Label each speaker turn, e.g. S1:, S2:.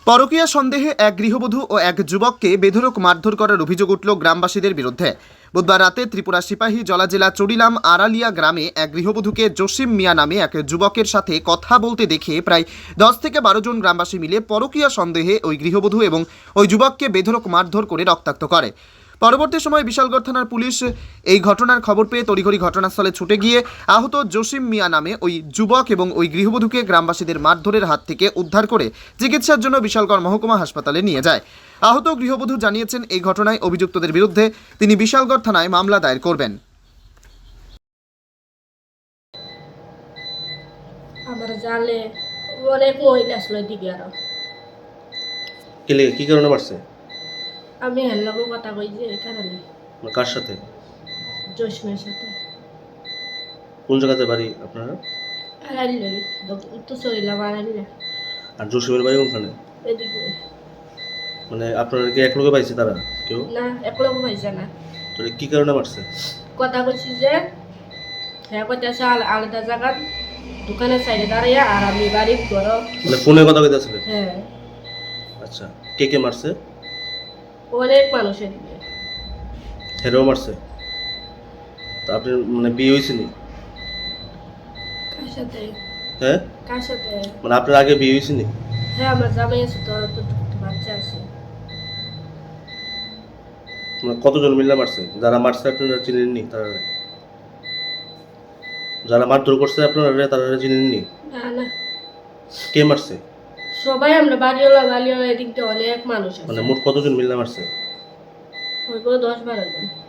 S1: পরকীয়া সন্দেহে এক গৃহবধূ ও এক যুবককে বেধড়ক মারধর করার অভিযোগ উঠল গ্রামবাসীদের বিরুদ্ধে। বুধবার রাতে ত্রিপুরা সিপাহী জলা জেলা চড়িলাম আড়ালিয়া গ্রামে এক গৃহবধূকে জসিম মিয়া নামে এক যুবকের সাথে কথা বলতে দেখে প্রায় 10 থেকে 12 জন গ্রামবাসী মিলে পরকীয়া সন্দেহে ওই গৃহবধূ এবং ওই যুবককে বেধড়ক মারধর করে রক্তাক্ত করে। পরবর্তী সময় বিশালগড় থানার পুলিশ এই ঘটনার খবর পেয়ে তড়িঘড়ি ঘটনাস্থলে ছুটে গিয়ে আহত জসিম মিয়া নামে ওই যুবক এবং ওই গৃহবধূকে গ্রামবাসীদের মারধরের হাত থেকে উদ্ধার করে চিকিৎসার জন্য বিশালগড় মহকুমা হাসপাতালে নিয়ে যায়। আহত গৃহবধূ জানিয়েছেন এই ঘটনায় অভিযুক্তদের বিরুদ্ধে তিনি বিশালগড় থানায় মামলা দায়ের করবেন।
S2: আমার জালে অনেক মহিলা আসলো দিকে আরো
S3: কেলে কি কারণে মারছে?
S2: আমি হেল্লাবো কথা কই যে এই কারণে
S3: কার সাথে?
S2: জসমের সাথে
S3: কোন জায়গাতে বাড়ি আপনারা?
S2: আড়াইলে উত্তর চলিলাম আড়াইলে
S3: আর জসিমের বাড়ি কোনখানে?
S2: এদিকে
S3: মানে আপনারা কি এক লোকে পাইছে তারা কেউ?
S2: না একলম হয়েছে না।
S3: তো কি কারণে মারছে?
S2: কথা কইছি যে হ্যাঁ কইতেছে আলাদা জায়গা দোকানের সাইডে দাঁড়িয়ে আর আমি বাড়ির ঘর।
S3: মানে ফোনে কথা কইতাছিলেন?
S2: হ্যাঁ।
S3: আচ্ছা, কে কে মারছে?
S2: অনেক মানুষের দিকে
S3: হেরেও মারছে? তো আপনি মানে বিয়ে হয়েছে নি?
S2: কার সাথে?
S3: হ্যাঁ,
S2: কার সাথে?
S3: মানে আপনার আগে বিয়ে হয়েছে নি?
S2: হ্যাঁ আমার জামাই আছে, তো বাচ্চা আছে।
S3: মানে কতজন মিলে মারছে? যারা মারছে আপনারা চিনেন নি? তারা যারা মারধর করছে আপনারা তারা চিনেন নি?
S2: না না,
S3: কে মারছে?
S2: সবাই আমরা বাড়িওয়ালা এদিক দিয়ে অনেক মানুষ আছে।
S3: মানে মোট কতজন মিলে মারছে?
S2: হইব 10-12 জন।